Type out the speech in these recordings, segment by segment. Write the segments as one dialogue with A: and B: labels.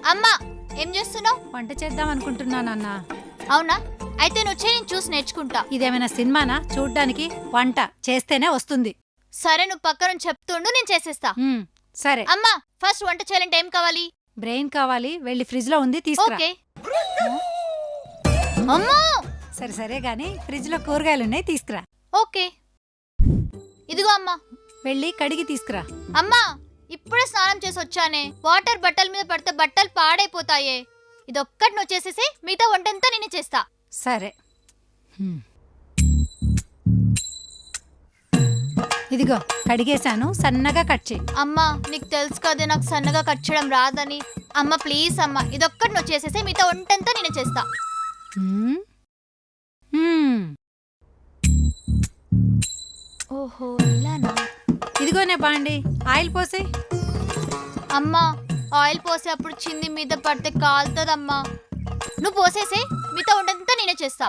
A: అమ్మా ఏం చేస్తున్నావు?
B: వంట చేద్దాం అనుకుంటున్నానన్నా.
A: అవునా? అయితే నువ్వు చేయి, నేను చూసి నేర్చుకుంటా.
B: ఇదేమైనా సినిమానా చూడ్డానికి? వంట చేస్తేనే వస్తుంది.
A: సరే, నువ్వు పక్కన చెప్తుండు, నేను చేసేస్తా.
B: సరే.
A: అమ్మా ఫస్ట్ వంట చేయాలంటే ఏం కావాలి?
B: బ్రెయిన్ కావాలి, వెళ్ళి ఫ్రిడ్జ్ లో ఉంది తీసుకురా.
A: ఓకే. అమ్మా
B: సరే సరే గాని ఫ్రిడ్జ్ లో కూరగాయలున్నాయి తీసుకురా.
A: ఓకే. ఇదిగో అమ్మా.
B: వెళ్ళి కడిగి తీసుకురా.
A: అమ్మా ఇప్పుడే స్నానం చేసి వచ్చానే. వాటర్ బట్టల మీద పడితే బట్టలు పాడైపోతాయే. ఇదొక్కటి నువ్వు చేసేసి మిగతా వంటంతా నేనే చేస్తా.
B: సరే. ఇదిగో కడిగేశాను, సన్నగా కట్ చేయి.
A: అమ్మా నీకు తెలుసు కదే నాకు సన్నగా కట్ చేయడం రాదని. అమ్మ ప్లీజ్ అమ్మా, ఇదొక్కటి నువ్వు చేసేసి మిగతా వంటంతా నేనే చేస్తా. ఓహో ఇలానా?
B: ఇదిగోనే బాండి, ఆయిల్ పోసే.
A: అమ్మా ఆయిల్ పోసే అప్పుడు చింది మీద పడితే కాలుతుందమ్మా. నువ్వు పోసేసే మిగతా వంటంతా నేనే చేస్తా.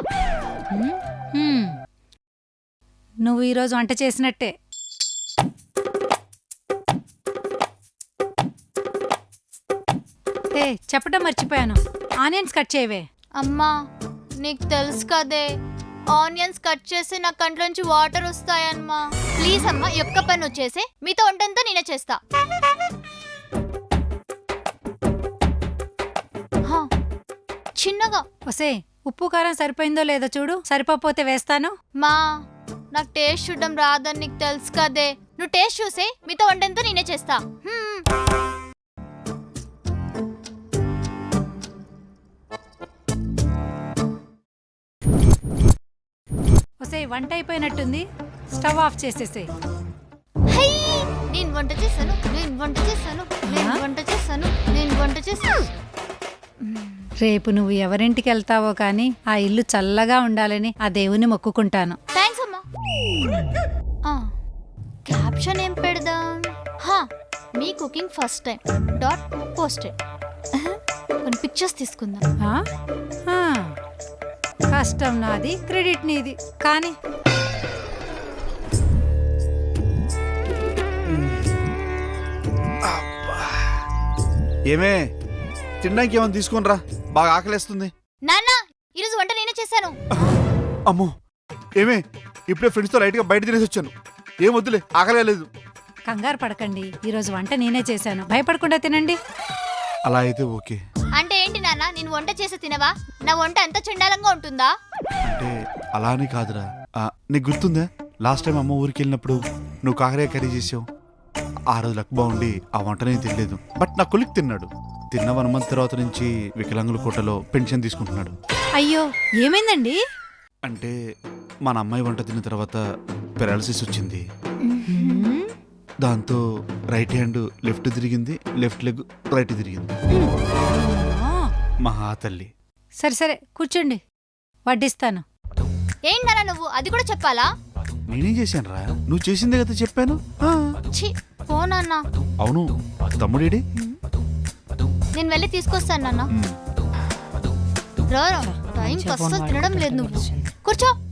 B: నువ్వు ఈరోజు వంట చేసినట్టే. చెప్పడం మర్చిపోయాను, ఆనియన్స్ కట్ చేయవే.
A: అమ్మా నీకు తెలుసు కదే, ఆనియన్స్ కట్ చేసి నా కంట్లోంచి వాటర్ వస్తాయమ్మా. ప్లీజ్ అమ్మా ఈ ఒక్క పని వచ్చేసి మీతో వంటంతా నేనే చేస్తా. చిన్నగా.
B: ఒసే ఉప్పు కారం సరిపోయిందో లేదో చూడు, సరిపోతే వేస్తాను.
A: మా నాకు టేస్ట్ చూడడం రాదని నీకు తెలుసు కదే. నువ్వు టేస్ట్ చూసే మీతో వంటంతా నేనే చేస్తా.
B: ఒసే వంట అయిపోయినట్టుంది, స్టవ్ ఆఫ్ చేసేసే.
A: నేను వంట చేశాను, నేను వంట చేశాను, నేను వంట చేశాను, నేను వంట చేశాను.
B: రేపు నువ్వు ఎవరింటికి వెళ్తావో కానీ ఆ ఇల్లు చల్లగా ఉండాలని ఆ దేవుని మొక్కుకుంటాను.
A: థ్యాంక్స్ అమ్మా. క్యాప్షన్ ఏం పెడదాం? మీ cooking first time dot posted. కొన్ని పిక్చర్స్ తీసుకుందాం.
B: కష్టం నాది, క్రెడిట్ నీది. కానీ
C: ఏమే తినడానికి ఏమైనా తీసుకుని రా, బాగా ఆకలేస్తుంది.
A: నాన్న ఈరోజు వంట నేనే చేశాను.
C: అమ్మో ఏమే ఇప్పుడే ఫ్రెండ్స్తో లైట్గా బయట తినేసి వచ్చాను. ఏం వద్దులే, ఆకలేదు.
B: కంగారు పడకండి, ఈరోజు వంట నేనే చేశాను, భయపడకుండా తినండి.
C: అలా అయితే ఓకే.
A: అంటే ఏంటి నాన్న, నేను వంట చేసి తినవా? నా వంట అంత చండాలంగా ఉంటుందా?
C: అంటే అలానే కాదురా, నీకు గుర్తుందా లాస్ట్ టైం అమ్మ ఊరికి వెళ్ళినప్పుడు నువ్వు కాకరకాయ కర్రీ చేసావు. ఆ రోజు లక్ బాగుండి ఆ వంట నేను తినలేదు, బట్ నా కొలిక్ తిన్నాడు. తిన్న 1 మంత్ తర్వాత నుంచి వికలాంగుల కోటలో పెన్షన్ తీసుకుంటున్నాడు.
B: అయ్యో ఏమైందండి?
C: అంటే మన అమ్మాయి వంట తిన్న తర్వాత పెరాలసిస్ వచ్చింది. దాంతో రైట్ హ్యాండ్ లెఫ్ట్ తిరిగింది, లెఫ్ట్ లెగ్ రైట్ తిరిగింది. మహా తల్లి.
B: సరే సరే కూర్చోండి, వడ్డిస్తాను.
A: ఏంటన్నా నువ్వు అది కూడా చెప్పాలా?
C: నేనేం చేశాను రా, నువ్వు చేసిందే కదా చెప్పాను.
A: పోనన్నా.
C: అవును, తమ్ముడేడి?
A: నేను వెళ్ళి తీసుకొస్తాను నాన్న. టైం అస్సలు తినడం లేదు. నువ్వు కూర్చో.